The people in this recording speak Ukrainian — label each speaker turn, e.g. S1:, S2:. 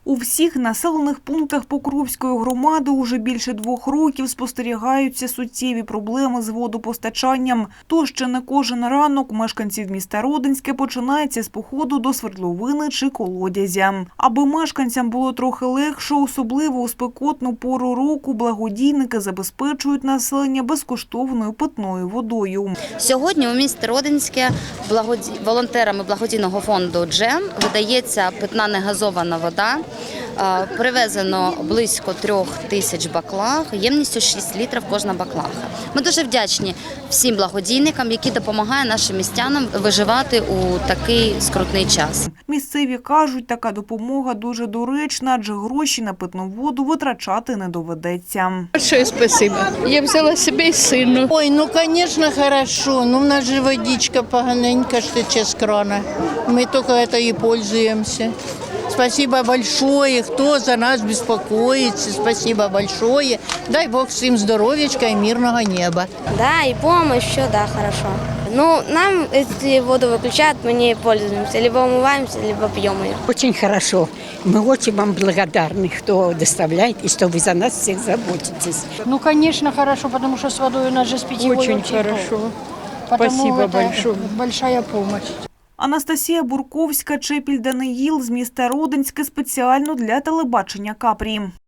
S1: У всіх населених пунктах Покровської громади уже більше 2 років спостерігаються суттєві проблеми з водопостачанням. Тож ще не кожен ранок мешканців міста Родинське починається з походу до свердловини чи колодязя. Аби мешканцям було трохи легше, особливо у спекотну пору року, благодійники забезпечують населення безкоштовною питною водою.
S2: Сьогодні у місті Родинське волонтерами благодійного фонду «Джем» видається питна негазована вода. Привезено близько 3000 баклаг, ємністю 6 літрів кожна баклага. Ми дуже вдячні всім благодійникам, які допомагають нашим містянам виживати у такий скрутний час.
S1: Місцеві кажуть, така допомога дуже доречна, адже гроші на питну воду витрачати не доведеться.
S3: Большое спасибо. Я взяла себе и сыну.
S4: Ой, ну, конечно, хорошо. Ну, у нас же водичка поганенько тече з крана. Мы только это и пользуемся. Спасибо большое, кто за нас беспокоится. Спасибо большое. Дай Бог всем здоровьечка и мирного неба.
S5: Да, и помощь, все, да, хорошо. Ну, нам, если воду выключают, мы не пользуемся. Либо умываемся, либо пьем ее.
S6: Очень хорошо. Мы очень вам благодарны, кто доставляет, и что вы за нас всех заботитесь.
S7: Ну, конечно, хорошо, потому что с водой у нас же с питьевой
S3: Очень хорошо.
S7: Потому
S3: Спасибо
S7: это
S3: большое.
S7: большая помощь.
S1: Анастасія Бурковська, Чепіль Даниїл з міста Родинське спеціально для телебачення Капрі.